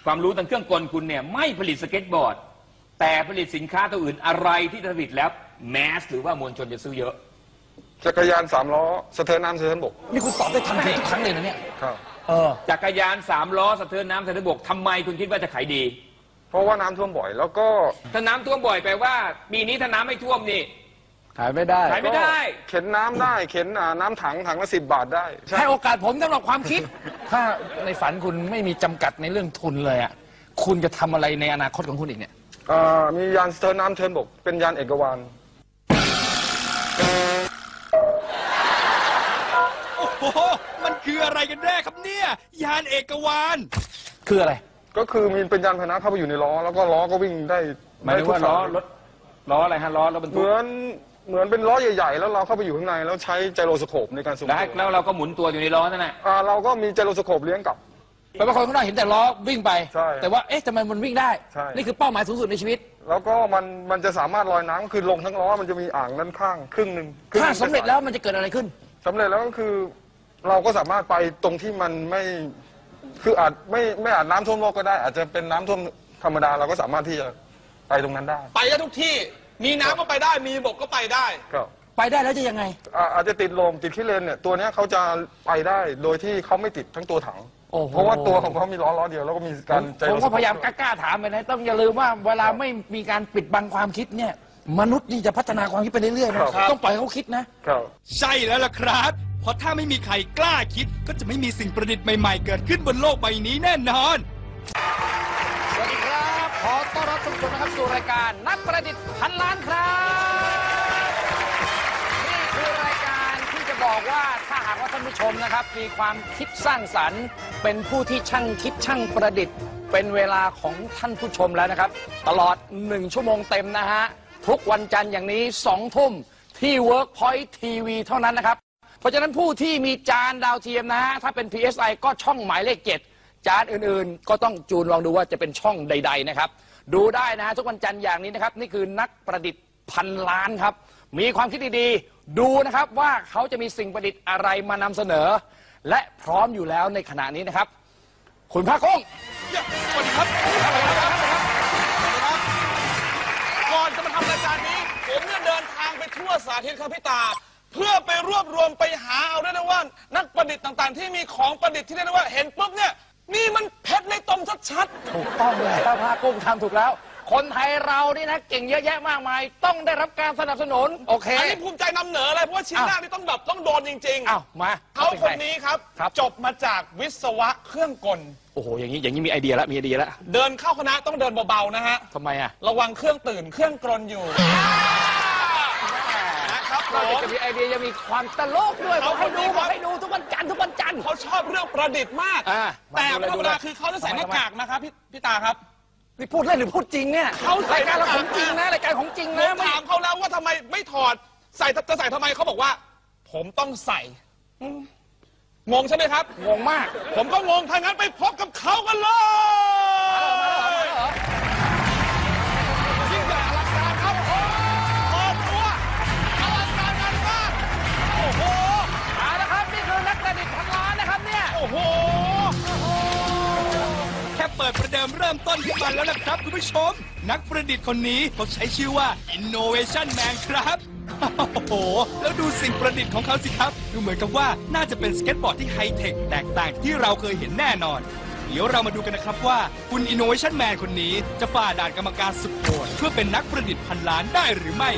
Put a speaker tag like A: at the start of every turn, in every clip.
A: ความรู้ทางเครื่องกลคุณเนี่ยไม่ผลิตสเก็ตบอร์ดแต่ผลิตสินค้าตัวอื่นอะไรที่ผลิตแล้วแมสหรือว่ามวลชนจะซื้อเยอะ
B: จักรยาน3 ล้อสะเทินน้ำสะเทินบก
C: นี่คุณตอบได้ทันทีทุกครั้งเลยนะเนี่ย
B: ครับ
A: จักรยาน3 ล้อสะเทินน้ำสะเทินบกทำไมคุณคิดว่าจะขายดี
B: เพราะว่าน้ำท่วมบ่อยแล้วก็
A: ถ้าน้ำท่วมบ่อยแปลว่าปีนี้ถ้าน้ำไม่ท่วมนี่
C: ขายไม่ได้
B: เข็นน้ำได้เข็นน้ำถังละ10 บาทได้
C: ให้โอกาสผมสำหรับความคิดถ้าในฝันคุณไม่มีจำกัดในเรื่องทุนเลยอ่ะคุณจะทำอะไรในอนาคตของคุณอีกเนี่ย
B: มียานสะเทินน้ำสะเทินบกเป็นยานเอกวาน
D: โอ้โหมันคืออะไรกันแน่ครับเนี่ยยานเอกวาน
C: คืออะไร
B: ก็คือมีเป็นยานพาหนะเข้าไปอยู่ในล้อแล้วก็ล้อก็วิ่งได้
A: หมายถึงว่าล้ออะไรฮะล้อบรรทุก
B: เหมือนเป็นล้อใหญ่ๆแล้วเราเข้าไปอยู่ข้างในแล้วใช้ไจโรสโคปในการส่ง
A: แล้วเราก็หมุนตัวอยู่ในล้อนั่นแหละ
B: เราก็มีไจโรสโคปเลี้ยงกลับ
C: แปลว่าคนข้างนอกเห็นแต่ล้อวิ่งไปแต่ว่าทำไมมันวิ่งได้นี่คือเป้าหมายสูงสุดในชีวิต
B: แล้วก็มันจะสามารถลอยน้ำคือลงทั้งล้อมันจะมีอ่างด้านข้างครึ่งหนึ่ง
C: ถ้าสำเร็จแล้วมันจะเกิดอะไรขึ้น
B: สำเร็จแล้วก็คือเราก็สามารถไปตรงที่มันไม่คืออาจไม่อาจน้ำท่วมโลกก็ได้อาจจะเป็นน้ำท่วมธรรมดาเราก็สามารถที่จะไปตรงนั้นได้
D: ไปได้ทุกที่มีน้ำก็ไปได้มีบกก็ไปได้
C: ไปได้แล้วจะยังไง
B: อาจจะติดลมติดขี้เลนเนี่ยตัวนี้เขาจะไปได้โดยที่เขาไม่ติดทั้งตัวถังเพราะว่าตัวของเขามีล้อเดียวแล้วก็มีการ
C: ผมก็พยายามกล้าถามไปนะต้องอย่าลืมว่าเวลาไม่มีการปิดบังความคิดเนี่ยมนุษย์นี่จะพัฒนาความคิดไปเรื่อยๆนะต้องปล่อยเขาคิดนะ
D: ใช่แล้วล่ะครับเพราะถ้าไม่มีใครกล้าคิดก็จะไม่มีสิ่งประดิษฐ์ใหม่ๆเกิดขึ้นบนโลกใบนี้แน่นอน
C: สวัสดีครับขอต้อนรับทุกคนนะครับสู่รายการนักประดิษฐ์พันล้านครับนี่คือรายการที่จะบอกว่าถ้าหากว่าท่านผู้ชมนะครับมีความคิดสร้างสรรค์เป็นผู้ที่ช่างคิดช่างประดิษฐ์เป็นเวลาของท่านผู้ชมแล้วนะครับตลอด1 ชั่วโมงเต็มนะฮะทุกวันจันทร์อย่างนี้2 ทุ่มที่ Workpoint TV เท่านั้นนะครับเพราะฉะนั้นผู้ที่มีจานดาวเทียมนะฮะถ้าเป็น PSI ก็ช่องหมายเลข 7จานอื่นๆก็ต้องจูนลองดูว่าจะเป็นช่องใดๆนะครับดูได้นะฮะทุกวันจันทร์อย่างนี้นะครับนี่คือนักประดิษฐ์พันล้านครับมีความคิดดีๆดูนะครับว่าเขาจะมีสิ่งประดิษฐ์อะไรมานำเสนอและพร้อมอยู่แล้วในขณะนี้นะครับคุณภาคกุ้ง
D: สวัสดีครับก่อนจะมาทำรายการนี้ผมเนี่ยเดินทางไปทั่วสาธิตครับพี่ตาเพื่อไปรวบรวมไปหาเอาได้นะว่านักประดิษฐ์ต่างๆที่มีของประดิษฐ์ที่ได้นะว่าเห็นปุ๊บเนี่ยนี่มันเพชรในตมชัด
C: ๆถูกต้องเลยภาคกุ้งทำถูกแล้วคนไทยเรานี่นะเก่งเยอะแยะมากมายต้องได้รับการสนับสนุนโอเค
D: อันนี้ภูมิใจนำเหนือเลยเพราะว่าชิ้นแรกนี่ต้องโดนจริง
C: ๆมา
D: เขาคนนี้ครับจบมาจากวิศวะเครื่องกล
C: โอ้โหอย่างนี้มีไอเดียแล้ว
D: เดินเข้าคณะต้องเดินเบาๆนะฮะ
C: ทำไมอะ
D: ระวังเครื่องตื่นเครื่องกลอยู่
C: เราจะมีไอเดียจะมีความตลกด้วยเขาให้ดูทุกวันจันทร์
D: เขาชอบเรื่องประดิษฐ์มากแต่ธรรมดาคือเขาจะใส่หน้ากากนะครับพี่ตาครับ
C: นี่พูดเล่นหรือพูดจริงเนี่ยรายการเราของจริงนะรายการของจริงนะ
D: ถามเขาแล้วว่าทำไมไม่ถอดจะใส่ทำไมเขาบอกว่าผมต้องใส่งงใช่ไหมครับ
C: งงมาก
D: ผมก็งงถ้างั้นไปพบกับเขากันเลยยิ่งใหญ่อลังการครับเปิดตัวอลังการงานมากโอ้โห
C: มาแล้วครับนี่คือนักประดิษฐ์พันล้านนะครับเนี่ย
D: โอ้โหแค่เปิดประเดิมเริ่มต้นขึ้นมาแล้วนะครับคุณผู้ชมนักประดิษฐ์คนนี้เขาใช้ชื่อว่า Innovation Man ครับโอ้โหแล้วดูสิ่งประดิษฐ์ของเขาสิครับดูเหมือนกับว่าน่าจะเป็นสเก็ตบอร์ดที่ไฮเทคแตกต่างที่เราเคยเห็นแน่นอนเดี๋ยวเรามาดูกันนะครับว่าคุณ Innovation Man คนนี้จะฝ่าด่านกรรมการสุดโหดเพื่อเป็นนักประดิษฐ์พันล้านได้หรือไม่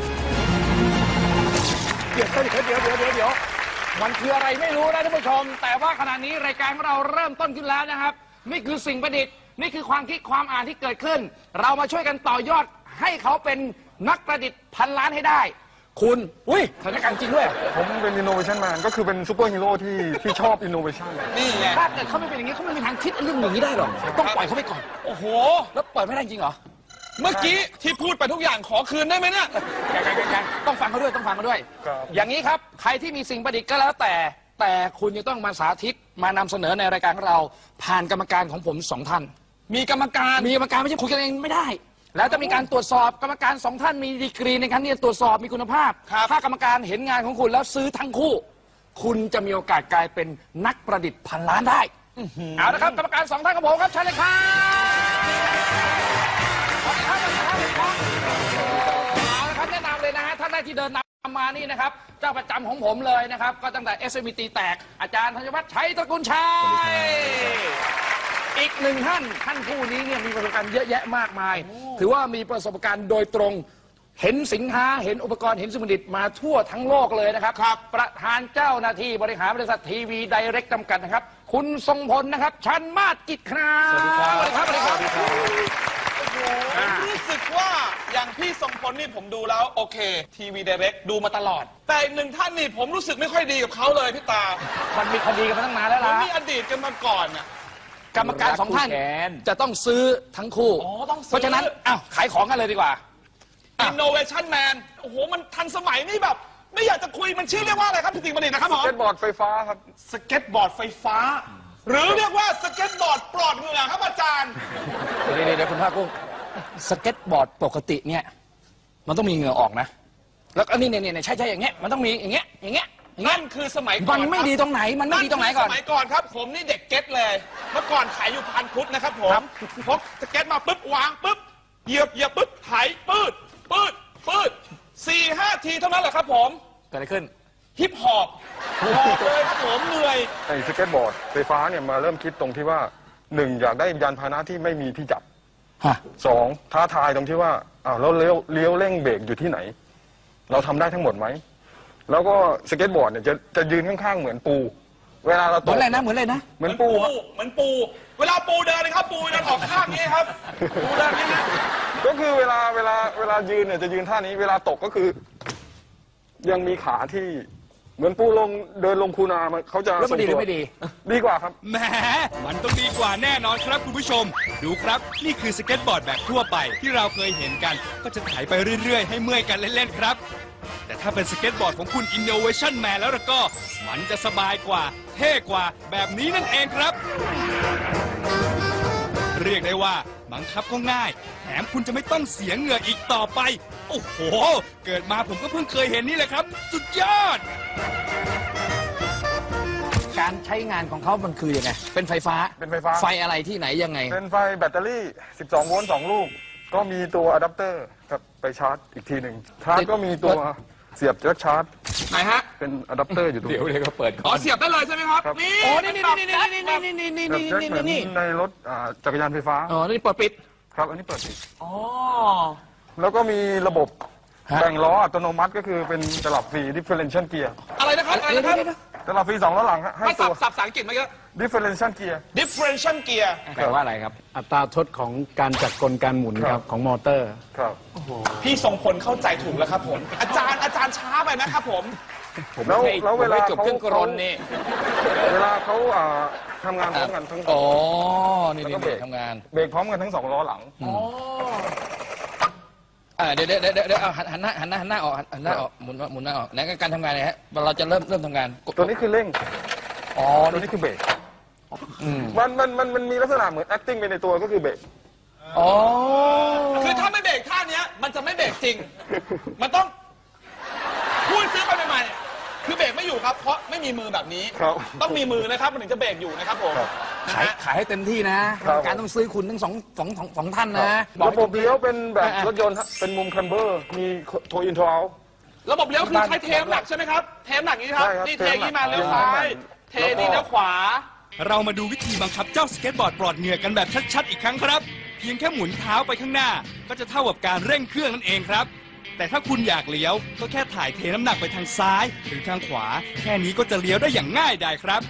C: เดี๋ยวมันคืออะไรไม่รู้นะท่านผู้ชมแต่ว่าขณะนี้รายการของเราเริ่มต้นขึ้นแล้วนะครับนี่คือสิ่งประดิษฐ์นี่คือความคิดความอ่านที่เกิดขึ้นเรามาช่วยกันต่อยอดให้เขาเป็นนักประดิษฐ์พันล้านให้ได้คุณสถานการณ์จริงด้วย
B: ผมเป็น Innovation Man ก็คือเป็นซูเปอร์ฮีโร่ที่ชอบ Innovation
C: นี่ไงถ้าเกิดเขาไม่เป็นอย่างนี้เขาไม่มีทางคิดเรื่องอย่างนี้ได้หรอกต้องปล่อยเขาไปก่อน
D: โอ้โห
C: แล้วปล่อยไม่ได้จริงเหรอ
D: เมื่อกี้ที่พูดไปทุกอย่างขอคืนได้ไหมเนี่ย
C: ยังต้องฟังเขาด้วยอย่างนี้ครับใครที่มีสิ่งประดิษฐ์ก็แล้วแต่คุณจะต้องมาสาธิตมานำเสนอในรายการของเราผ่านกรรมการของผม2 ท่าน
D: มีกรรมการ
C: ไม่ใช่คุยกันเองไม่ได้แล้วจะมีการตรวจสอบกรรมการ2 ท่านมีดีกรีในการที่จะตรวจสอบมีคุณภาพถ้ากรรมการเห็นงานของคุณแล้วซื้อทั้งคู่คุณจะมีโอกาสกลายเป็นนักประดิษฐ์พันล้านได้เอาละครับกรรมการ2 ท่านของผมครับเชิญเลยครับกที่เดินนำมานี่นะครับเจ้าประจำของผมเลยนะครับก็ตั้งแต่ SMT แตกอาจารย์ธัญวัฒน์ชัยตระกูลชัยอีกหนึ่งท่านผู้นี้เนี่ยมีประสบการณ์เยอะแยะมากมายถือว่ามีประสบการณ์โดยตรงเห็นสินค้าเห็นอุปกรณ์เห็นสมุดิตมาทั่วทั้งโลกเลยนะครับประธานเจ้าหน้าที่บริหารบริษัททีวีไดเรกจำกัดนะครับคุณทรงพลนะครับชันมาศกิจครับสวัสดีครับสวัสดีครับ
E: รู้สึกว่าอย่างพี่ทรงพลนี่ผมดูแล้วโอเคทีวีไดเรกดูมาตลอดแต่อีกหนึ่งท่านนี่ผมรู้สึกไม่ค่อยดีกับเขาเลยพี่ตา
C: มันมีคดีกันมาตั้งนานแล้วล่ะ
E: มีอดีตกันมาก่อนน่ะ
C: กรรมการ2 ท่านจะต้องซื้อทั้งคู่เพราะฉะนั้นขายของกันเลยดีกว่า
E: Innovation Man โอ้โหมันทันสมัยนี่แบบไม่อยากจะคุยมันชื่อเรียกว่าอะไรครับพี่ติ๋งประดิษฐ์นะครับผม
B: สเก็ตบอร์ดไฟฟ้าครับ
E: สเก็ตบอร์ดไฟฟ้าหรือเรียกว่าสเก็ตบอร์ดปลอดเหงื่อครับอาจารย์
C: เดี๋ยวคุณภาคกุ้งสเก็ตบอร์ดปกติเนี่ยมันต้องมีเหงื่อออกนะแล้วอันนี้เนี่ยใช่อย่างเงี้ยมันต้องมีอย่างเงี้ย
E: นั่นคือสมัยก่อน
C: มันไม่ดีตรงไหนมันไม่ดีตรงไหนก่อน
E: สมัยก่อนครับผมนี่เด็กเก็ตเลยเมื่อก่อนขายอยู่พันพุทธนะครับผมพกสเก็ตมาปุ๊บวางปุ๊บเหยียบปุ๊บไถปืด4-5 ทีเท่านั้นแหละครับผม
C: เกิดอะไรขึ้น
E: ฮิปฮอปเลยครับผมเหนื่อย
B: ไอ้สเก็ตบอร์ดไฟฟ้าเนี่ยมาเริ่มคิดตรงที่ว่า1อยากได้ยานพาหนะที่ไม่มีที่จับ2ท้าทายตรงที่ว่าเราเลี้ยวเร่งเบรกอยู่ที่ไหนเราทำได้ทั้งหมดไหมแล้วก็สเก็ตบอร์ดเนี่ยจะยืนข้างๆเหมือนปูเวลาเราตก
C: เหมือนอะไรนะเหมือนปู
E: เวลาปูเดินเลยครับปูเดินออกข้างนี้ครับปูเดินนี้นะ
B: ก็คือเวลายืนเนี่ยจะยืนท่านี้เวลาตกก็คือยังมีขาที่เหมือนปูเดินลงคูนาเขาจะ
C: แล้วมันดีหรือไม่ดี
B: ดีกว่าครับ
D: แหมมันต้องดีกว่าแน่นอนครับคุณผู้ชมดูครับนี่คือสเก็ตบอร์ดแบบทั่วไปที่เราเคยเห็นกันก็จะไถไปเรื่อยๆให้เมื่อยกันเล่นๆครับแต่ถ้าเป็นสเก็ตบอร์ดของคุณ Innovation Man แล้วก็มันจะสบายกว่าเท่กว่าแบบนี้นั่นเองครับเรียกได้ว่าบังคับก็ง่ายแถมคุณจะไม่ต้องเสียเหงื่ออีกต่อไปโอ้โหเกิดมาผมก็เพิ่งเคยเห็นนี่แหละครับสุดยอด
C: การใช้งานของเขามันคือยังไงเป็นไฟฟ้าไฟอะไรที่ไหนยังไง
B: เป็นไฟแบตเตอรี่12 โวลต์2 ลูกก็มีตัวอะแดปเตอร์ครับไปชาร์จอีกทีหนึ่งชาร์จก็มีตัวเสียบจักชาร์จ
E: ไหนฮะ
B: เป็นอะแดปเตอร์อยู่ตรงนี้
A: เดี๋ยวก็เปิด
E: เสียบได้เลยใช่ไหมครับ
C: นี่โอ้นี่
B: ในรถจักรยานไฟฟ้า
C: นี่เปิดปิด
B: ครับอันนี้เปิดปิดแล้วก็มีระบบแบ่งล้ออัตโนมัติก็คือเป็นตลับฟรี differential gear
E: อะไรนะครับ
B: ตลับฟรี2 ล้อหลังให้
E: ตัวสับภาษาอังกฤษมาเยอะ
B: differential gear
A: แปลว่าอะไรครับ
F: อัตราทดของการจัดกลการหมุนครับของมอเตอร์
B: ครับ
E: พี่ทรงพลเข้าใจถูกแล้วครับผมอาจารย์ช้าไปนะครับผม
B: แล้วเวลา
A: จบเครื่องกรนนี่
B: เวลาเขาทำงานพร้อมกันทั้ง
C: นี่ทำงาน
B: เบรกพร้อมกันทั้ง2 ล้อหลัง
C: เดี๋ยวหันหน้าออกหมุนหน้าออกนั่นการทำงานไงฮะเราจะเริ่มทำงาน
B: ตัวนี้คือเร่งตัวนี้คือเบรกมันมีลักษณะเหมือน acting ไปในตัวก็คือเบรก
E: คือถ้าไม่เบรกท่านี้มันจะไม่เบรกจริงมันต้องพูดซื้อไปใหม่ๆคือเบรกไม่อยู่ครับเพราะไม่มีมือแบบนี้ต้องมีมือนะครับมันถึงจะเบรกอยู่นะครับผม
C: ขายให้เต็มที่นะการต้องซื้อคุณทั้งสองท่านนะ
B: ระบบเลี้ยวเป็นแบบรถยนต์เป็นมุมคัมเบอร์มีโทอินทรัล
E: ระบบเลี้ยวคือใช้เทมหนักใช่ไหมครับเทมหนักนี้ครับนี่เทนี้มาเลี้ยวซ้ายเทนี้เลี้ยวขวา
D: เรามาดูวิธีบังคับเจ้าสเก็ตบอร์ดปลอดเหงื่อกันแบบชัดๆอีกครั้งครับเพียงแค่หมุนเท้าไปข้างหน้าก็จะเท่ากับการเร่งเครื่องนั่นเองครับแต่ถ้าคุณอยากเลี้ยวก็แค่ถ่ายเทน้ำหนักไปทางซ้ายหรือทางขวาแค่นี้ก็จะเลี้ยวได้อย่างง่ายดายครับ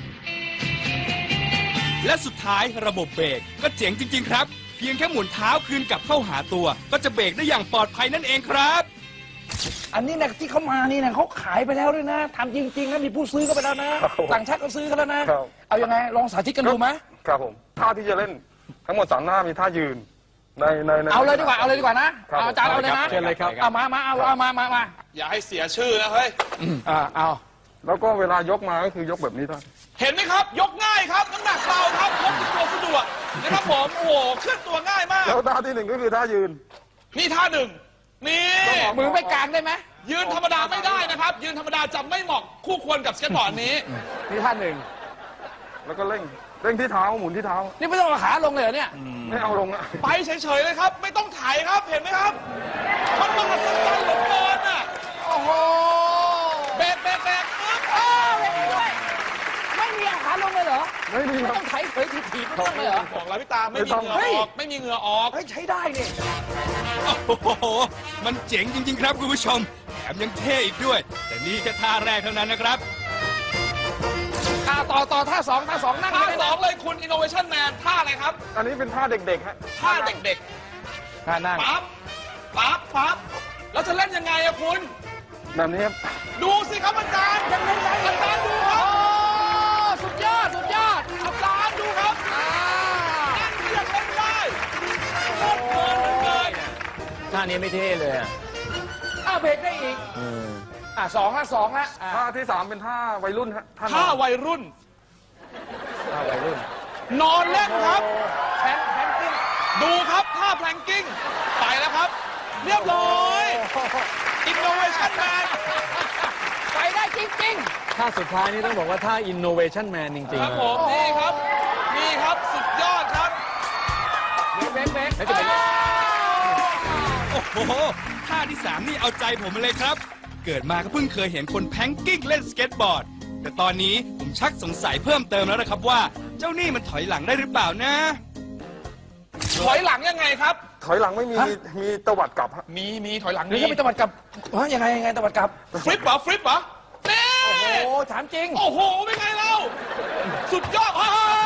D: และสุดท้ายระบบเบรกก็เจ๋งจริงๆครับเพียงแค่หมุนเท้าคืนกลับเข้าหาตัวก็จะเบรกได้อย่างปลอดภัยนั่นเองครับ
C: อันนี้นะที่เขามานี่นะเขาขายไปแล้วด้วยนะทำจริงๆนะมีผู้ซื้อก็ไปแล้วนะต่างชาติก็ซื้อกันแล้วนะเอายังไงลองสาธิตกันดูไหม
B: ครับผมท่าที่จะเล่นทั้งหมด3 หน้ามีท่ายืนใน
C: เอาเลยดีกว่านะอาจารย์เอาเลยนะ
F: เชิญเลยครับ
C: เอามา
E: อย่าให้เสียชื่อนะเฮ้ย
C: เอา
B: แล้วก็เวลายกมาก็คือยกแบบนี้ท่าน
E: เห็นไหมครับยกง่ายครับน้ำหนักเบาครับยกตัวสะดวกนะครับผมโอ้โหเคลื่อนตัวง่ายมาก
B: แล้วท่าที่1ก็คือท่ายืน
E: นี่ท่า1นี่
C: มือไม่กลางได้ไหม
E: ยืนธรรมดาไม่ได้นะครับยืนธรรมดาจะไม่เหมาะคู่ควรกับสเก็ตบอร์ดนี้
C: นี่ท่า1
B: แล้วก็เร่งที่เท้าหมุนที่เท้า
C: นี่ไม่ต้องเอาขาลงเลยเหรอเนี่ย
B: ไม่เอาลงอะ
E: ไปเฉยๆเลยครับไม่ต้องถ่ายครับเห็นไหมครับมันมหัศจรรย์เหลือเกินอ่ะโอ้
C: โห
E: เบรกปึ๊บ
C: เบรกด้วยไม่มีเอาขาลงเลยเหรอ
B: ไม่มี
C: ไม่
B: ครั
C: ต้อบ งไถเผยถีบๆไม่ต้องเลยเหรอ
E: บอกแล้วพี่ตาไม่มีเหงื่อออกไม่มีเหงื่อออก
C: เฮ้ยใช้ได้นี่
D: โอ้โห มันเจ๋งจริงๆครับคุณผู้ชม แถมยังเท่อีกด้วย แต่นี่แค่ท่าแรกเท่านั้นนะครับ
C: ต่อท่าสองนั่ง
E: ท่า
C: เลย
E: สองเลยคุณ Innovation Man ท่าอะไรครับ
B: อันนี้เป็นท่าเด็กๆฮะ
E: ท่าเด็ก
C: ท่านั่ง
E: ๆปั๊บแล้วจะเล่นยังไงอะคุณ
B: แบบนี้ครับ
E: ดูสิครับอาจารย์ยังเล่นได้อาจารย์ดูค
C: โอ้
E: รับ
C: สุดยอด
E: อาจารย์ดูครับนั่นยังเล่นได้โคตรเพลินเลย
A: ท่านี้ไม่เท่เลยอะ
C: เบรกได้อีกสองละ
B: ท่าที่ 3 เป็นท่าวัยรุ่นฮะท่าน
E: ท่า
B: อน
E: วัยรุ่น
C: ท่าวัยรุ่น
E: นอนเล่นครับ
C: แพนกิ้ง
E: ดูครับท่าแพลงกิ้งไปแล้วครับ เรียบร้อย Innovation Man
C: ไปได้จริง
F: ท่าสุดท้ายนี่ต้องบอกว่าท่า innovation man จริง
E: ค
F: ๆ
E: รับ
F: นะ
E: ผมนี่ครับสุดยอดครับ
C: ๆเบรก
A: แล้วจะเป็น
D: โอ้โห ท่าที่ 3 นี่เอาใจผมมาเลยครับ เกิดมาก็เพิ่งเคยเห็นคนแพงกิ้งเล่นสเก็ตบอร์ด แต่ตอนนี้ผมชักสงสัยเพิ่มเติมแล้วนะครับว่า เจ้านี่มันถอยหลังได้หรือเปล่านะ
E: ถอยหลังยังไงครับ
B: ถอยหลังไม่มีมีตวัดกลับฮะ
E: มีถอยหลัง
C: หรือ
E: นี่
C: จะไปตะวัดกลับยังไงตะวัดกลับ
E: ฟลิปเหรอนี่
C: โอ้ถามจริง
E: โอ้โหเป็นไงเราสุดยอด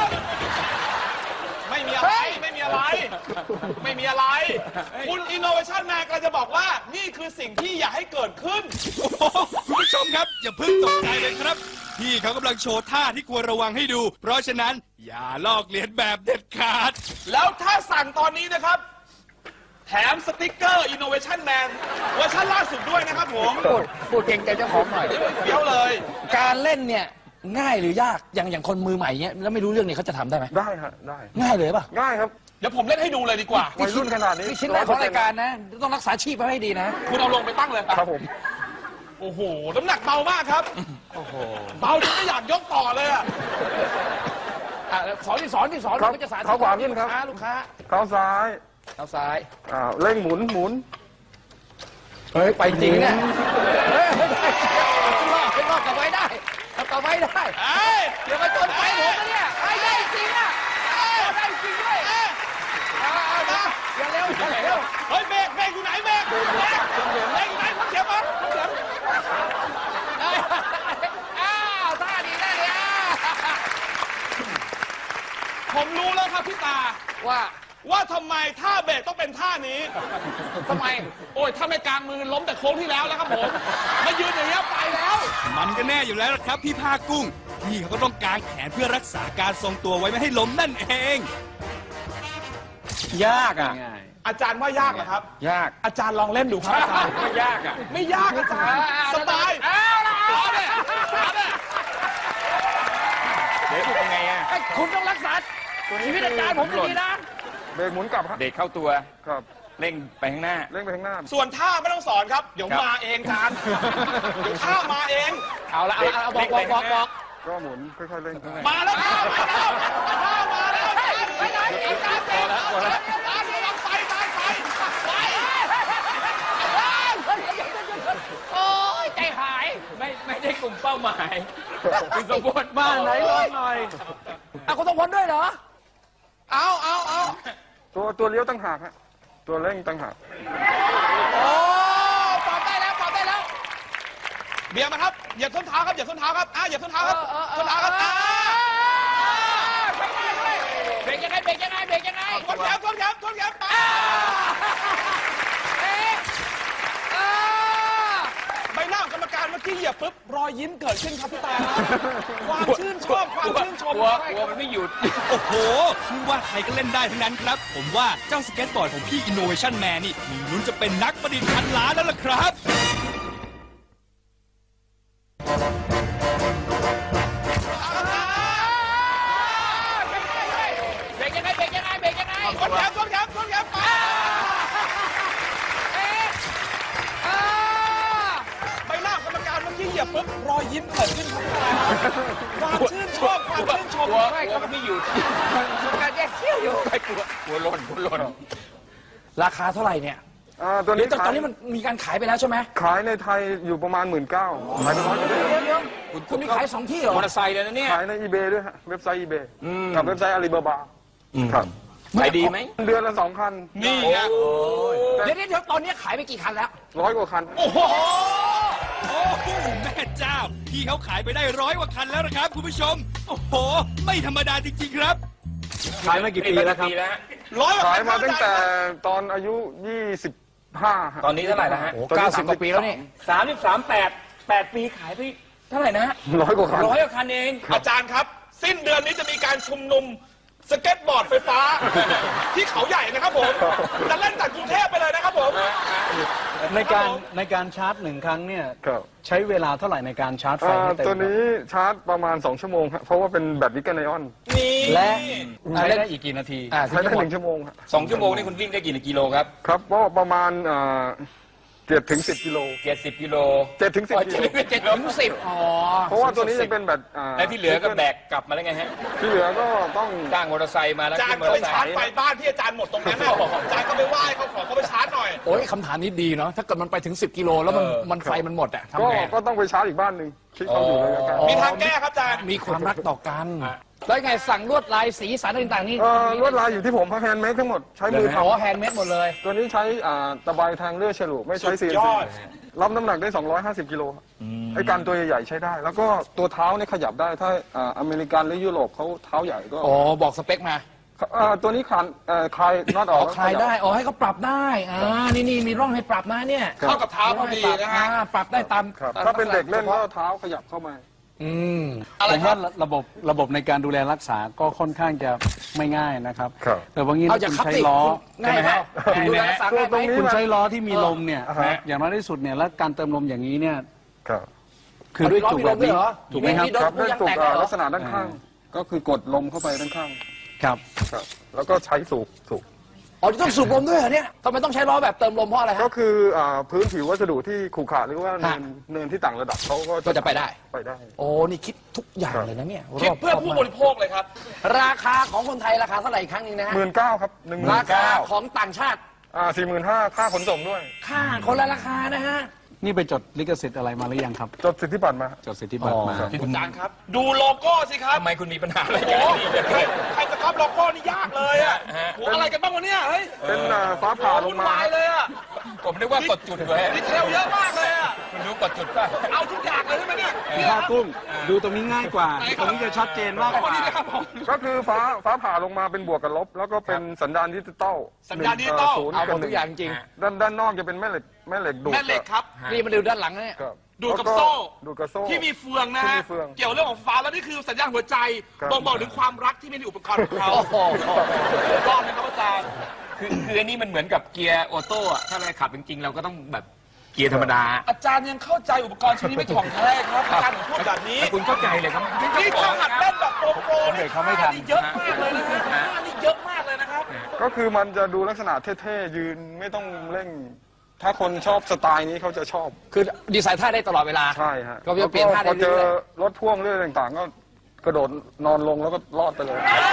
E: ไม่มีอะไรไม่มีอะไร คุณ Innovation Man กำลังจะบอกว่านี่คือสิ่งที่อยากให้เกิดขึ้น
D: โอ้โหคุณผู้ชมครับ อย่าเพิ่งตกใจเลยครับ พี่เขากำลังโชว์ท่าที่ควรระวังให้ดู เพราะฉะนั้นอย่าลอกเลียนแบบเด็ดขาด
E: แล้วถ้าสั่งตอนนี้นะครับ แถมสติกเกอร์ Innovation Man เวอร์ชันล่าสุดด้วยนะครับผม
C: พูดเก่งใจเจ้าของหน่อย
E: เฟี้ยวเลย
C: การเล่นเนี่ยง่ายหรือยากอย่างคนมือใหม่เนี้ยแล้วไม่รู้เรื่องเนี่ยเขาจะทำได้ไหม
B: ได้ฮะได้
C: ง่ายเลยป่ะ
B: ง่ายครับ
E: เดี๋ยวผมเล่นให้ดูเลยดีกว่า
B: วัยรุ่นขนาดนี้
C: นี่ชิ้นแรกของรายการนะ ต้องรักษาชีพไว้ให้ดีนะ
E: คุณเอาลงไปตั้งเลย
B: ครับผม
E: โอ้โห น้ำหนักเบามากครับเบาจนไม่อยากยกต่อเลยอะ
C: สอนก็จะสาธิต
B: เขาขวาขึ้นครับ
C: ลูกค้า
B: เท้าซ้าย
C: เอาซ้าย
B: เร่งหมุน
C: เฮ้ย ไปจริงเนี่ยเฮ้ยไม่ได้ไม่รอดกลับไว้ได้กลับไว้ได้
E: เอ้ย
C: เดี๋ยวมาจนไปผมนะเนี่ยไปได้จริงอ่ะได้จริงด้วยเอานะอย่าเร็ว
E: เฮ้ยเบรกอยู่ไหนเบรกอยู่ไหนพักเข็มมาพักเข็ม
C: อ้าวท่าดีได้เลยอ่ะ
E: ผมรู้แล้วครับพี่ตา
C: ว่า
E: ทำไมท่าเบรกต้องเป็นท่านี้
C: ทำไม
E: โอ้ยถ้าไม่กลางมือล้มแต่โค้งที่แล้วครับผมมายืนอย่างนี้ยไปแล้ว
D: มันก็แน่อยู่แล้วล่ะครับพี่ผ้ากุ้ง พี่เขาก็ต้องกางแขนเพื่อรักษาการทรงตัวไว้ไม่ให้ล้มนั่นเอง
A: ยากอ่ะ
F: ง่าย
E: อาจารย์ว่ายากเหรอครับ
A: ยาก
E: อาจารย์ลองเล่นดูครับอาจารย์
A: ไม่ยากอ่ะ
E: ไม่ยากอาจารย์สบาย เอาเนี่ย
A: เดี๋ยวเป็นไงอ่ะ
C: คุณต้องรักษาชีวิตอาจารย์ผมดีนะ
B: เบรกหมุนกลับฮะ
A: เด็กเข้าตัว
B: ครับ
A: เร่งไปข้างหน้า
B: เร่งไปข้างหน้า
E: ส่วนท่าไม่ต้องสอนครับ เดี๋ยว
A: ครับ
E: มาเองอาจารย์เดี๋ยวท่ามาเอง
C: เอาละเอาบอก
B: ก็หมุนค่อยๆเร่ง
E: มาแล้วท่ามาแล้วไปไหนอาจารย์เจ๊อาจารย์ไป
C: โอ้ยใจหาย
A: ไม่ได้กลุ่มเป้าหมายคือสมบูรณ์
F: บ้านไหนลองหน่อย
C: คุณต้องพ้นด้วยเหรอ
E: เอา
B: ตัวเลี้ยวตั้งหากฮะตัวเร่งตั้งหาก
C: โอ้ปรับได้แล้ว
E: เบียร์มาครับเหยียบส้นเท้าครับเหยียบส้นเท้าครับเหยียบส้นเท้าครับส้นเท้าครับ
C: เบรกยังไง
E: ทนแขนไปใบหน้าของกรรมการเมื่อกี้เหยียบปุ๊บรอยยิ้มเกิดขึ้นครับพี่ตาความชื่นชอบความชื่นชม
A: กลัวมันไม่หยุด
D: โอ้โหไม่ว่าใครก็เล่นได้ทั้งนั้นครับ ผมว่าเจ้าสเก็ตบอร์ดของพี่ Innovation Man นี่มีลุ้นจะเป็นนักประดิษฐ์พันล้านแล้วล่ะครับ
C: เบรกยังไง
E: ทนแขนไปใบหน้าของกรรมการเมื่อกี้เหยียบปุ๊บรอยยิ้มเกิดขึ้นครับพี่ตาความชื่นชอบความชื่นชม
A: กลัวมันไม่หยุด
C: การแยกเขี้ยวอยู่
A: ไม่กลัวหล่น
C: ราคาเท่าไหร่เนี่ย
B: ตัว
C: เดี๋
B: นี้
C: ยวตอนนี้มันมีการขายไปแล้วใช่ไหม
B: ขายในไทยอยู่ประมาณ 19,000ขายไป100
C: เดี๋ยวคุณมีขาย2 ที่เหรอ
A: มอเตอร์ไซค์เลยนะเนี่ย
B: ขายใน eBay ด้วยฮะเว็บไซต์ eBay กับเว็บไซต์อาลีบาบาครับ
A: ขายดีไหม
B: เดือนละ2 คัน
E: นี่ไง
C: เดี๋ยวตอนนี้ขายไปกี่คันแล้ว
B: 100 กว่าคัน
E: โอ้โห
D: โอ้โหแม่เจ้า พี่เขาขายไปได้100 กว่าคันแล้วนะครับคุณผู้ชม โอ้โห ไม่ธรรมดาจริงๆครับ
F: ขายมากี่ปีแล้วครับ
E: ร้อยกว่า
B: ขาย
E: คัน
B: มาตั้งแต่ตอนอายุ 25ฮะ
A: ตอนนี้เท่าไหร่แล้วฮะ
C: โอ้90 กว่าปีแล้วนี่
A: 8 ปีขายไปเท่าไหร่นะ
B: 100 กว่าคัน
A: 100 กว่าคันเอง
E: อาจารย์ครับ สิ้นเดือนนี้จะมีการชุมนุมสเก็ตบอร์ดไฟฟ้า ที่เขาใหญ่นะครับผมจะเล่นจากกรุงเทพไปเลยนะครับผม
F: ในการชาร์จ1 ครั้งเนี่ย
B: ครับ
F: ใช้เวลาเท่าไหร่ในการชาร์จไฟให้เต็ม
B: ตัวนี้ชาร์จประมาณ2 ชั่วโมงฮะเพราะว่าเป็นแบตนิกเกิลไอออน
E: นี่
F: และใช้ได้อีกกี่นาที
B: ใช้ได้1 ชั่วโมงฮะ
A: 2 ชั่วโมงนี่คุณวิ่งได้กี่กิโลครับ
B: ครับก็ประมาณ7 ถึง 10 กิโล
A: 70 กิโล
B: 7 ถึง 10 กิโล
C: 7 ถึง 10อ๋อ
B: เพราะว่าตัวนี้จะเป็นแบต
A: แล้วที่เหลือก็แบกกลับมาแล้วไงฮะ
B: ที่เหลือก็ต้อง
A: จ้างมอเตอร์ไซค์มาแล้ว
E: อาจาร
A: ขึ้
E: ย์
A: นมอ
E: ก็
A: เตอ
E: ไป
A: ร์ไซ
E: ชาร์จ
A: ค์
E: ไฟบ้านที่อาจารย์หมดตรงนั้นน่ะอาจารย์ก็ไปไหว้เขาขอเขาไปชาร์จหน่อย
C: โอ้ยคำถามนี้ดีเนาะถ้าเกิดมันไปถึง 10 กิโลแล้วมันไฟมันหมดอะทำ
B: ก็
C: ไง
B: ก็ต้องไปชาร์จอีกบ้านหนึ่งที่เขาอยู่ระยะไกล
E: มีทางแก้ครับอาจารย์
C: มีความรักต่อกัน แล้วไงสั่งลวดลายสีสันต่างๆนี่
B: ลวดลายอยู่ที่ผมแฮนด์เมดทั้งหมดใช้มือ
C: อ๋อ
B: ทำ
C: แฮนด์เมดหมดเลย
B: ตัวนี้ใช้ตะไบแทงเลื่อยฉลุไม่ใช้
E: สุด
B: CNC
E: ยอด
B: รับน้ำหนักได้ 250 กิโลไอ้การตัวใหญ่ๆใช้ได้ แล้วก็ตัวเท้าเนี่ยขยับได้ถ้าอเมริกันหรือยุโรปเขาเท้าใหญ่ก็
C: อ๋อ บอกสเปคมา
B: ตัวนี้คลายน็อตอ
C: อ๋
B: อ
C: อก คลายได้ อ๋อ ให้เขาปรับได้ นี่มีร่องให้ปรับนะเนี่ย
E: เข้ากับเท้าพอดีนะฮะ
C: ปรับได้ตาม
B: ครับถ้าเป็นเด็กเล่นก็เท้าขยับเข้ามา
C: อืม
F: ผมว่าระบบในการดูแลรักษาก็ค่อนข้างจะไม่ง่ายนะครับ
B: ครับ
F: แต่ว่างี้
C: เอา
F: ถ้า
C: จาก
F: คุณ
C: คับ
F: ใช้
C: ติ
F: ล้อ
C: ง่ายไหมดูแลรักษาง่ายไหม
F: คุณใช้ล้อที่มีลมเนี่ย
B: อ่าฮะ
F: อย่างน้อยที่สุดเนี่ยแล้วการเติมลมอย่างนี้เนี่ย
B: ครับ
F: คือด้วยจุกแบบนี้
C: เอาล้อมีลมด้วยเหรอ
F: ถูกไหมครับ
C: มีโดน
B: ครับด้วย
C: ยาง
B: ตุก
C: แตกเลยเหรอ
B: ลักษณะด้านข้าง ก็คือกดลมเข้าไปด้านข้าง
F: ครับ
B: ครับแล้วก็ใช้สูบ
C: อ๋อจะต้องสูบลมด้วยเหรอเนี่ยทำไมต้องใช้ล้อแบบเติมลมเพราะอะไร
B: ก็
C: ฮะ
B: คือพื้นผิววัสดุที่ขรุขระหรือว่า
C: ฮะ
B: เนินที่ต่างระดับเขาก็
C: ก็จะไปได้
B: ไปได้
C: โอ้นี่คิดทุกอย่างเลยนะเนี่ย
E: คิดเพื่อ
C: รบ
E: ผู้
C: มาก
E: บริโภคเลยครับ
C: ราคาของคนไทยราคาเท่าไหร่อีกครั้งหนึงนะฮะ
B: 19,000ครับ
C: ราคา
B: 19,000
C: ของต่างชาติ
B: 45,000ค่าขนส่งด้วย
C: ค่าคนละราคานะฮะ
F: นี่ไปจดลิขสิทธิ์อะไรมาหรือยังครับ
B: จดสิทธิบัตรมา
F: จดสิทธิบัตรมา
B: อ๋อครับ
E: อาจารย์ครับ ดูโลโก้สิครับ
A: ทำไมคุณมีปัญหาอะไร
E: โอ้
A: กัน
E: โหใครจะครับโลโก้นี่ยากเลยอ่ะโหอะไรกันบ้างวะเนี่ยเฮ้ย
B: เป็นฟ้าผ่าล
E: วุ่
B: ง
E: น
B: มาว
E: ายเลยอ่ะ
A: ผมนึกว่ากดจุดเลย
E: ดีเทลเยอะมากเลยอ่ะ
A: คุณรู้กดจุดป่ะ
E: เอาทุกอย่างเลยใช่ไหมเนี่ย
F: พี่ภาคกุ้งดูตรงนี้ง่ายกว่า ตรงนี้จะชัดเจนมากกว่า
E: นี่นะครับผม
B: ก็คือฟ้าผ่าลงมาเป็นบวกกับลบ แล้วก็เป็นสัญญาณดิจิตอล
E: สัญญาณดิจิตอล
B: 0
C: เอาหม
B: กับ
C: ดทุกอย่างจริง
B: ด้านนอกจะเป็นแม่เหล็กดูด
E: แม่เหล็กครับ
C: นี่มาดูด้านหลังนะเนี่ย
B: ครับ
E: ดูดกับโซ่
B: ดูดกับโซ่
E: ที่มีเฟืองนะ
B: ที่
E: ฮะ
B: มีเฟือง
E: เกี่ยวเรื่องของฟ้าแล้วนี่คือสัญญาณหัวใจ
B: ครับ
E: บ่งบอกถึงความรักที่มีในอุปกรณ์ของเขา
C: โอ้โห
E: รอดนะครับอาจารย์
A: คืออันนี้มันเหมือนกับเกียร์ออโต้อะถ้าเราขับจริงๆเราก็ต้องแบบเกียร์ธรรมดา
E: อาจารย์ยังเข้าใจอุปกรณ์ชิ้นนี้ไม่ถ่องแท้ครับอาจารย์ถึงพูดแบบนี้
A: แต่คุณเข้าใจเลยครับ
E: นี่ถ้าหัดเล่นแบบโปร
F: เด็กเขาไม่ทัน
E: นี่เยอะมากเลยนะฮะท่านี่เยอะมากเลยนะครับ
B: ก็คือมันจะดูลักษณะเท่ๆยืนไม่ต้องเร่ง ถ้าคนชอบสไตล์นี้เขาจะชอบ
C: คือดีไซน์ท่าได้ตลอดเวลา
B: ใช่ฮะ
C: ก็จะเปลี่ยนท่าได้
B: พอเจอ
C: เรื่อย
B: รถพ่วงเรื่องต่างๆ ก็กระโดดนอนลงแล้วก็รอดไปเลย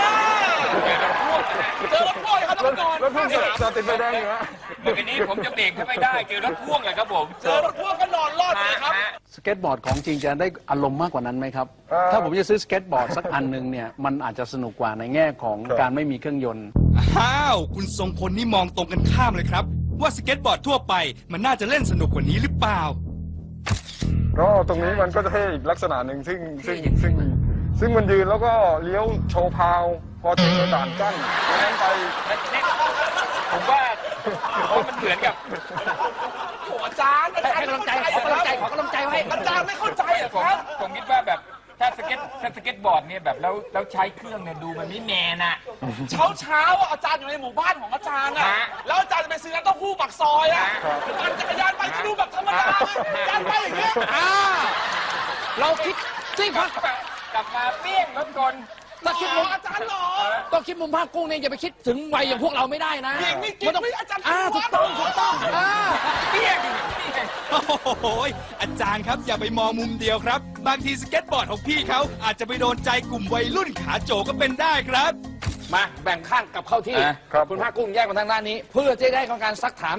E: เจอรถพ่วงครับทุกคน
B: รถพ่วงจะติดไฟแดงอยู่ฮะ
A: เมื่อกี้นี้ผมจะเบรกไม่ได้เจอรถพ่วงเลยครับผม
E: เจอรถพ่วงก็นอนรอดเลยครับ
F: สเก็ตบอร์ดของจริงจะได้อารมณ์มากกว่านั้นไหมครับ ถ้าผมจะซื้อสเก็ตบอร์ดสักอันหนึ่งเนี่ย มันอาจจะสนุกกว่าในแง่ของการไม่มีเครื่องยนต์
D: อ้าว คุณทรงพลนี่มองตรงกันข้ามเลยครับ ว่าสเก็ตบอร์ดทั่วไปมันน่าจะเล่นสนุกกว่านี้หรือเปล่า
B: ก็ตรงนี้มันก็จะเท่อีกลักษณะหนึ่งซึ่งมันยืนแล้วก็เลี้ยวโชว์พาว พอเจอด่านกั้นแล้วไป
A: ผมว่ามันเหมือนกับ
E: โอ้อาจารย์
C: ให้กำลังใจขอกำลังใจขอกำลังใจไว้
E: อาจารย์ไม่เข้าใจเหรอ
A: ผม
E: ครับ
A: ผมคิดว่าแบบถ้าสเก็ตบอร์ดเนี่ยแบบแล้วใช้เครื่องเนี่ยดูมันไม่แมนอะ
E: เช้าอ่ะอาจารย์อยู่ในหมู่บ้านของอาจารย์อ่ะ
A: ฮะ
E: แล้วอาจารย์จะไปซื้อน้ำเต้าหู้ปากซอยอ่ะปั่นจักรยานไปก็ดูแบบธรรมดาอาจารย์ไปอย่างเงี้ย
C: เราคิดจริงพัก
A: กลับมาเปี้ยงรถกล
C: ถ้าคิดมุม
E: อาจารย์หรอ
C: ต้องคิดมุมภาคกุ้งเนี่ยอย่าไปคิดถึงวัยอย่างพวกเราไม่ได้นะ
E: จริงไม่จริง
C: มันต้อง
E: ไม่อาจารย์
C: ถูกต้อง
A: เปี้ยง
D: โอ้โหอาจารย์ครับอย่าไปมองมุมเดียวครับ บางทีสเก็ตบอร์ดของพี่เขาอาจจะไปโดนใจกลุ่มวัยรุ่นขาโจก็เป็นได้ครับ
C: มาแบ่งข้างกับเข้าที่
B: ครับ
C: คุณภาคกุ้งแยกมาทางด้านนี้ เพื่อจะได้ของการซักถาม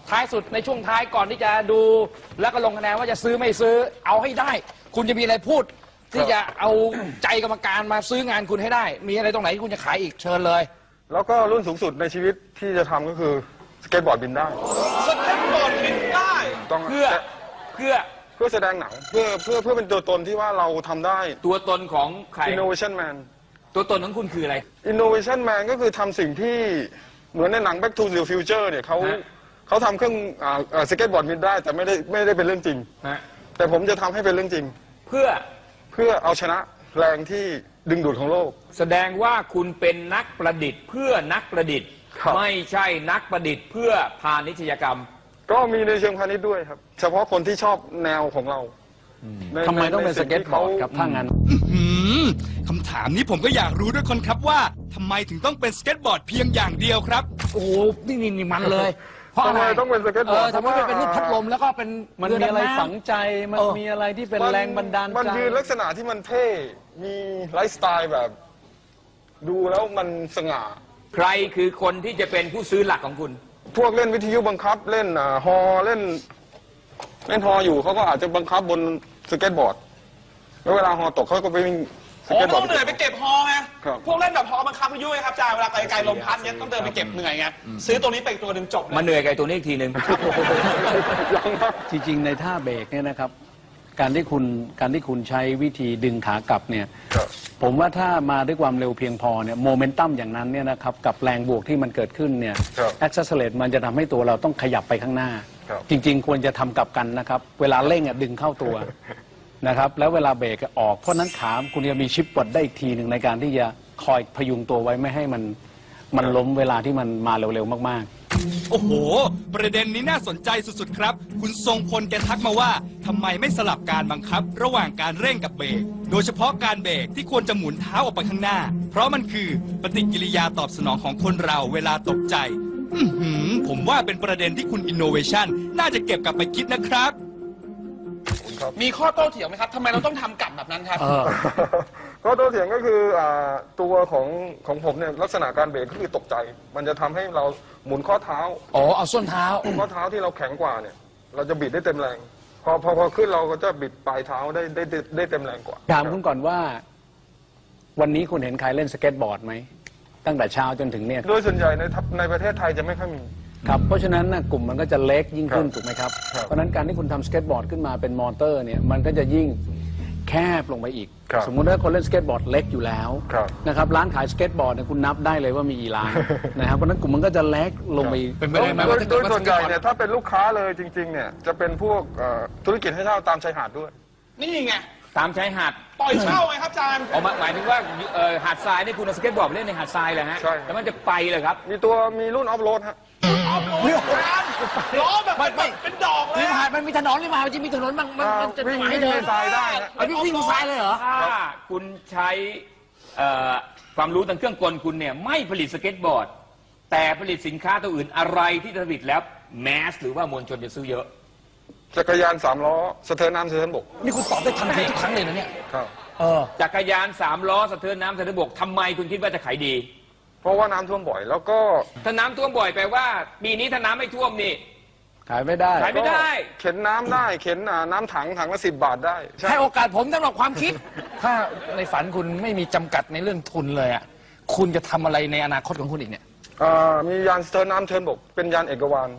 C: ท้ายสุดในช่วงท้ายก่อนที่จะดูแล้วก็ลงคะแนนว่าจะซื้อไม่ซื้อเอาให้ได้ คุณจะมีอะไรพูด ที่จะเอาใจกรรมการมาซื้องานคุณให้ได้ มีอะไรตรงไหนที่คุณจะขายอีกเชิญเลย
B: แล้วก็รุ่นสูงสุดในชีวิตที่จะทำก็คือสเก็ตบอร์ดบินได้
E: สเก็ตบอร์ดบินได้
B: ต้อง
A: เพื่อ
B: แสดงหนังเพื่อเป็นตัวตนที่ว่าเราทำได้
A: ตัวตนของใคร
B: Innovation Man
A: ตัวตนของคุณคืออะไร
B: Innovation Man ก็คือทำสิ่งที่เหมือนในหนัง Back to the Future เนี่ยเขาทำเครื่องสเก็ตบอร์ดบินได้แต่ไม่ได้เป็นเรื่องจริง
A: ฮะ
B: แต่ผมจะทำให้เป็นเรื่องจริง
A: เพื่อ
B: เอาชนะแรงที่ดึงดูดของโลก
A: แสดงว่าคุณเป็นนักประดิษฐ์เพื่อนักประดิษฐ์
B: ครับ
A: ไม่ใช่นักประดิษฐ์เพื่อพาณิชยกรรม
B: ก็มีในเชิงพาณิชย์ด้วยครับ เฉพาะคนที่ชอบแนวของเราใน
F: ทำไมต้องเป็น
B: ใน
F: ส
B: สิ่
F: เก็ต
B: ที่
F: บอ
B: ขา
F: ร์ดครับถ้างั้น
D: คำถามนี้ผมก็อยากรู้ด้วยคนครับว่าทำไมถึงต้องเป็นสเก็ตบอร์ดเพียงอย่างเดียวครับ
C: โอ้โหนี่มันเลย เพราะอะไร
B: ทำไมต้องเป็นสเก็ตบอร์ด
C: ทำไมเป็นรูปพัดลมแล้วก็เป็น
F: มันมีอะไรฝังใจมันมีอะไรที่เป็นแรงบันดาล
B: มัน
F: ใจ
B: ยืนลักษณะที่มันเท่ มีไลฟ์สไตล์แบบ ดูแล้วมันสง่า
A: ใครคือคนที่จะเป็นผู้ซื้อหลักของคุณ
B: พวกเล่นวิทยุบังคับเล่นฮอเล่นฮออยู่เขาก็อาจจะบังคับบนสเก็ตบอร์ด แล้วเวลาฮอตกเขาก็ไปวิ่งส
E: โอ้
B: เก็ตบอ
E: ต้
B: ร์
E: อง
B: ด
E: เหนื่อยไปเก็บฮอไง
B: ครับ
E: พวกเล่นแบบฮอบังคับวิทยุไงครับอาจารย์เวลาไกลๆลมพัดเนี้ยต้องเดินไปเก็บเหนื่อยไงซื้อตัวนี้ไปอีกตัวหนึ่งจบเลย
A: มาเหนื่อยกับไอ้ตัวนี้อีกทีหนึ่ง
B: ยังครับ
F: จริงๆในท่าเบรกเนี่ยนะครับ การที่คุณใช้วิธีดึงขากลับเนี่ย
B: ครับ
F: ผมว่าถ้ามาด้วยความเร็วเพียงพอเนี่ยโมเมนตัมอย่างนั้นเนี่ยนะครับกับแรงบวกที่มันเกิดขึ้นเนี่ย
B: ครับ
F: แอคเซสเลตมันจะทำให้ตัวเราต้องขยับไปข้างหน้า
B: ครับ
F: จริง ๆ ควรจะทำกลับกันนะครับ เวลาเร่งดึงเข้าตัว นะครับแล้วเวลาเบรกออกเพราะนั้นขาคุณจะมีชิปปลดได้อีกทีหนึ่งในการที่จะคอยพยุงตัวไว้ไม่ให้มันล้มเวลาที่มันมาเร็วๆมากๆ
D: โอ้โห ประเด็นนี้น่าสนใจสุดๆครับ คุณทรงพลแกทักมาว่าทำไมไม่สลับการบังคับ ระหว่างการเร่งกับเบรกโดยเฉพาะการเบรกที่ควรจะหมุนเท้าออกไปข้างหน้า เพราะมันคือปฏิกิริยาตอบสนองของคนเราเวลาตกใจผมว่าเป็นประเด็นที่คุณ Innovation น่าจะเก็บกลับไปคิดนะครับ
E: มีข้อโต้เถียงไหมครับทำไมเราต้องทำกลับแบบนั้นครับ
B: ก็ตัวเถียงก็คือตัวของผมเนี่ยลักษณะการเบรกก็คือตกใจ มันจะทำให้เราหมุนข้อเท้า
C: อ๋อเอาส้นเท้า
B: ข้อเท้าที่เราแข็งกว่าเนี่ย เราจะบิดได้เต็มแรง พอขึ้นเราก็จะบิดปลายเท้าได้เต็มแรงกว่า
F: ถามคุณก่อนว่า วันนี้คุณเห็นใครเล่นสเก็ตบอร์ดไหมตั้งแต่เช้าจนถึงเนี่ย
B: โดยส่วนใหญ่ในประเทศไทยจะไม่ค่อยมี
F: ครับเพราะฉะนั้นนะกลุ่มมันก็จะเล็กยิ่งขึ้น
B: ครับ
F: ถูกไหมครับ
B: ครับ
F: เพราะฉะนั้นการที่คุณทำสเก็ตบอร์ดขึ้นมาเป็นมอเตอร์เนี่ยมันก็จะยิ่งแคบลงไปอีก
B: ครับ
F: สมมุติว่าคนเล่นสเก็ตบอร์ดเล็กอยู่แล้ว
B: ครับ
F: นะครับร้านขายสเก็ตบอร์ดเนี่ยคุณนับได้เลยว่ามีกี่ร้าน นะครับเพราะฉะนั้นกลุ่มมันก็จะเล็กลงไปอีก
C: เป็นไปได้ไหม
B: โดยส่วนใหญ่เนี่ยถ้าเป็นลูกค้าเลยจริงๆเนี่ยจะเป็นพวกธุรกิจให้เช่าตามชายหาดด้วย
E: นี่ไง
A: ตามชายหาด
E: ปล่อยเช่าไงครับอาจารย์
A: ออกมาหมายถึงว่าหาดทรายนี่คุณเอาสเก็ตบอร์ดไปเล่นในหาดทรายเลยฮะ
B: ใช่ครับ
A: แล้วมันจะไปเลยครับ
B: มีรุ่นออฟโรดฮะ
E: ออฟโรดล้อแบบเป็นดอกเลย
C: ริมหาดมันมีถนนริมหาดมันจะมีถนนมันจะ
B: วิ่ง
C: ให้เดิน
B: ในทรายได้ฮะ
C: เอาวิ่งทรายเลยเหรอ
A: ถ้าคุณใช้ความรู้ทางเครื่องกลคุณเนี่ยไม่ผลิตสเก็ตบอร์ด แต่ผลิตสินค้าตัวอื่นอะไรที่ผลิตแล้วแมสหรือว่ามวลชนจะซื้อเยอะ
B: จักรยาน3 ล้อสะเทินน้ำสะเทินบก
C: นี่คุณตอบได้ทันทีทุกครั้งเลยนะเนี่ย
B: ครับ
A: จักรยาน3 ล้อสะเทินน้ำสะเทินบกทำไมคุณคิดว่าจะขายดี
B: เพราะว่าน้ำท่วมบ่อย แล้วก็
A: ถ้าน้ำท่วมบ่อยแปลว่าปีนี้ถ้าน้ำไม่ท่วมนี่
F: ขายไม่ได้
A: ขายไม่ได้
B: เข็นน้ำได้เข็นน้ำถังละ10 บาทได้ใช่
C: ให้โอกาสผมสำหรับความคิด ถ้าในฝันคุณไม่มีจำกัดในเรื่องทุนเลยอ่ะคุณจะทำอะไรในอนาคตของคุณอีกเนี่ย
B: มียานสะเทินน้ำสะเทินบก เป็นยานเอกวาน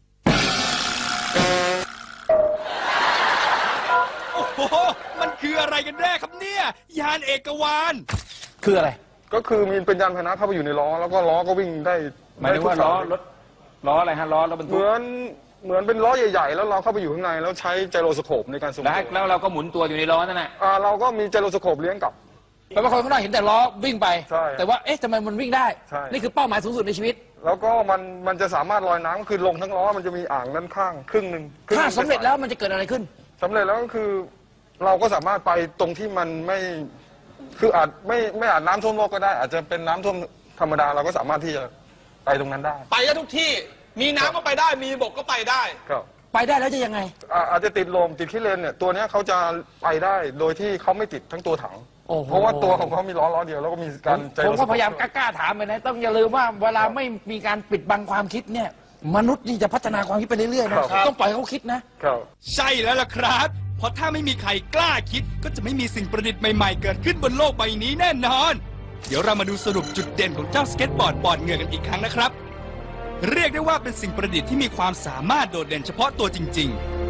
D: โอ้โห มันคืออะไรกันแน่ครับเนี่ย ยานเอกวาน
C: คืออะไร
B: ก็คือมีเป็นยานพาหนะเข้าไปอยู่ในล้อแล้วก็ล้อก็วิ่งได้
A: หมายถึงว่า
B: ได้ทุก
A: ล้อ
B: สย
A: รถล้ออะไรฮะล้อรถบรร
B: เห
A: ทุก
B: มือนเป็นล้อใหญ่ๆ แล้วเราเข้าไปอยู่ข้างในแล้วใช้ไจโรสโคปในการทรงตัว
A: แล้วเราก็หมุนตัวอยู่ในล้อนั่นแหละ
B: เราก็มีไจโรสโคปเลี้ยงกลับ
C: แปลว่าคนข้างนอกเห็นแต่ล้อวิ่งไป
B: ใช่
C: แต่ว่าเอ๊ะทำไมมันวิ่งได้
B: ใช่
C: นี่คือเป้าหมายสูงสุดในชีวิต
B: แล้วก็มันจะสามารถลอยน้ำก็คือลงทั้งล้อมันจะมีอ่างด้านข้างครึ่งหนึ่ง
C: ถ้าสำเร็จแล้วมันจะเกิดอะไรขึ้น
B: สำเร็จแล้วก็คือ เราก็สามารถไปตรงที่มันไม่คืออาจไม่อาจน้ำท่วมโลกก็ได้ อาจจะเป็นน้ำท่วมธรรมดาเราก็สามารถที่จะไปตรงนั้นได้
E: ไปได้ทุกที่ มีน้ำก็ไปได้ มีบกก็ไปได้
B: ครับ
C: ไปได้แล้วจะยังไง
B: อาจจะติดลมติดขี้เลนเนี่ยตัวเนี้ยเขาจะไปได้โดยที่เขาไม่ติดทั้งตัวถัง
C: โอ้โห
B: เพราะว่าตัวของเขามีล้อเดียวแล้วก็มีการ
C: ผมก็พยายามกล้าๆถามไปนะต้องอย่าลืมว่าเวลาไม่มีการปิดบังความคิดเนี่ยมนุษย์นี่จะพัฒนาความคิดไปเรื่อยๆนะครับ ต้องปล่อยให้เขาคิดนะ
B: ครับ
D: ใช่แล้วล่ะครับ เพราะถ้าไม่มีใครกล้าคิด ก็จะไม่มีสิ่งประดิษฐ์ใหม่ๆ เกิดขึ้นบนโลกใบนี้แน่นอน เดี๋ยวเรามาดูสรุปจุดเด่นของเจ้าสเก็ตบอร์ดปอดเหงื่อกันอีกครั้งนะครับ เรียกได้ว่าเป็นสิ่งประดิษฐ์ที่มีความสามารถโดดเด่นเฉพาะตัวจริงๆ